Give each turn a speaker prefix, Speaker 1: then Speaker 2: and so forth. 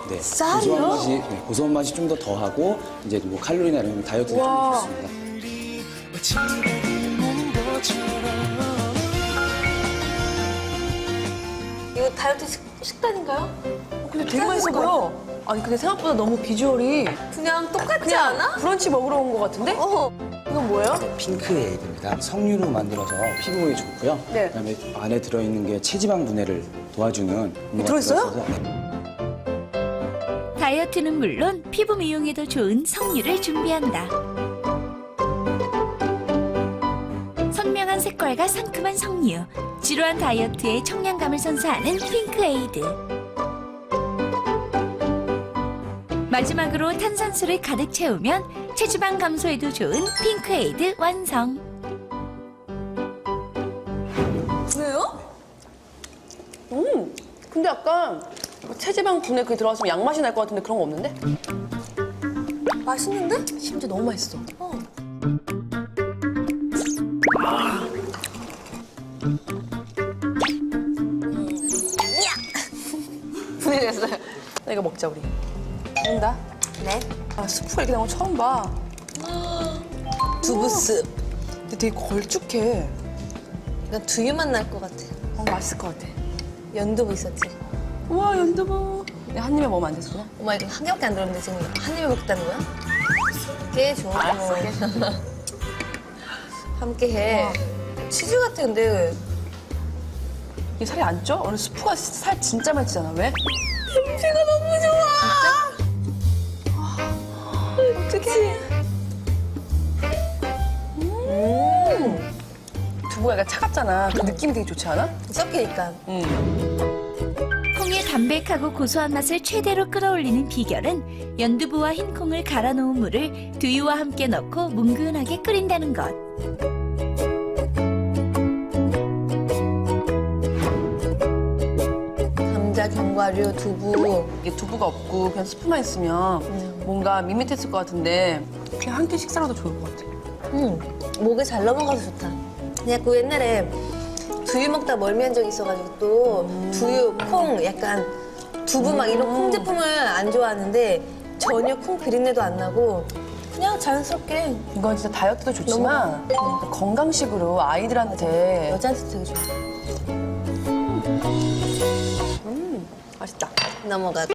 Speaker 1: 네,
Speaker 2: 쌀이요?
Speaker 1: 고소한 맛이 좀 더 더하고 이제 뭐 칼로리나 이런 다이어트에 좀 좋습니다.
Speaker 2: 이거 다이어트 식단인가요?
Speaker 3: 근데 되게 맛있어 보여. 아니 근데 생각보다 너무 비주얼이
Speaker 2: 그냥 똑같지 않아?
Speaker 3: 브런치 먹으러 온 것 같은데? 이건 뭐예요?
Speaker 1: 핑크에이드입니다. 석류로 만들어서 피부에 좋고요.
Speaker 3: 네.
Speaker 1: 그다음에 안에 들어있는 게 체지방 분해를 도와주는 음료가
Speaker 3: 들어있어요?
Speaker 1: 들어있어서, 네.
Speaker 4: 다이어트는 물론 피부 미용에도 좋은 석류를 준비한다. 선명한 색깔과 상큼한 석류, 지루한 다이어트에 청량감을 선사하는 핑크에이드. 마지막으로 탄산수를 가득 채우면 체지방 감소에도 좋은 핑크에이드 완성.
Speaker 2: 왜요?
Speaker 3: 근데 약간 체지방 분해 그게 들어갔으면 양맛이 날 것 같은데 그런 거 없는데?
Speaker 2: 맛있는데?
Speaker 3: 심지어 너무 맛있어.
Speaker 2: 분해됐어요.
Speaker 3: 나 이거 먹자 우리. 먹는다.
Speaker 2: 네.
Speaker 3: 아 스프가 이렇게 나온 거 처음 봐.
Speaker 2: 두부습.
Speaker 3: 근데 되게 걸쭉해.
Speaker 2: 약간 두유맛 날 것 같아.
Speaker 3: 맛있을 것 같아.
Speaker 2: 연두부 있었지?
Speaker 3: 우와 연두부. 내가 한 입에 먹으면 안 됐구나.
Speaker 2: 엄마 이거 한 개밖에 안 들었는데 지금 한 입에 먹겠다는 거야? 꽤 좋은 거. 함께 해. 치즈 같아 근데.
Speaker 3: 이게 살이 안 쪄? 오늘 스프가 살 진짜 많이 찌잖아. 왜?
Speaker 2: 냄새가 너무 좋아.
Speaker 3: 어떡해. 두부가 약간 차갑잖아. 그 느낌이 되게 좋지 않아?
Speaker 2: 섞이니까.
Speaker 4: 콩의 담백하고 고소한 맛을 최대로 끌어올리는 비결은 연두부와 흰콩을 갈아 놓은 물을 두유와 함께 넣고 뭉근하게 끓인다는 것.
Speaker 2: 감자, 견과류, 두부.
Speaker 3: 이게 두부가 없고 그냥 스프만 있으면 뭔가 밋밋했을 것 같은데 그냥 한 끼 식사로도 좋을 것 같아.
Speaker 2: 목에 잘 넘어가서 좋다. 그냥 그 옛날에 두유 먹다 멀미한 적이 있어가지고 또 두유, 콩, 약간 두부 막 이런 콩 제품을 안 좋아하는데 전혀 콩 비린내도 안 나고 그냥 자연스럽게
Speaker 3: 이건 진짜 다이어트도 좋지만 건강식으로 아이들한테
Speaker 2: 여자한테 되게 좋아.
Speaker 3: 맛있다.
Speaker 2: 넘어가고.